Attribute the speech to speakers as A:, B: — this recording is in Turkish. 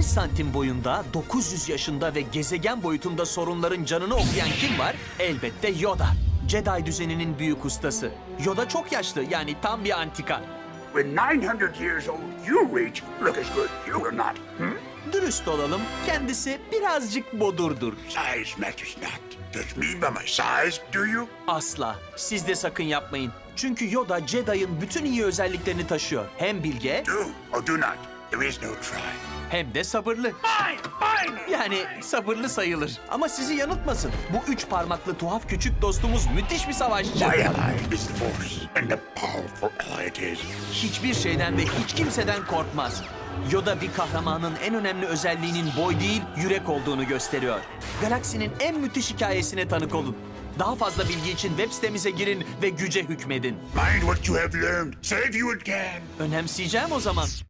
A: 60 santim boyunda, 900 yaşında ve gezegen boyutunda sorunların canını okuyan kim var? Elbette Yoda. Jedi düzeninin büyük ustası. Yoda çok yaşlı, yani tam bir antika.
B: When 900 years old you reach, look as good you will not.
A: Dürüst olalım, kendisi birazcık bodurdur.
B: Size matters not. Judge me by my size, do you?
A: Asla. Siz de sakın yapmayın. Çünkü Yoda Jedi'ın bütün iyi özelliklerini taşıyor. Hem bilge
B: Do or do not. There is no try.
A: hem de sabırlı.
B: Fine!
A: Yani sabırlı sayılır. Ama sizi yanıltmasın. Bu 3 parmaklı tuhaf küçük dostumuz müthiş bir savaşçı.
B: My ally is the Force, and the powerful ally it is.
A: Hiçbir şeyden ve hiç kimseden korkmaz. Yoda bir kahramanın en önemli özelliğinin boy değil, yürek olduğunu gösteriyor. Galaksinin en müthiş hikayesine tanık olun. Daha fazla bilgi için web sitemize girin ve güce hükmedin.
B: Mind what you have learned. Save you again.
A: Önemseyeceğim o zaman.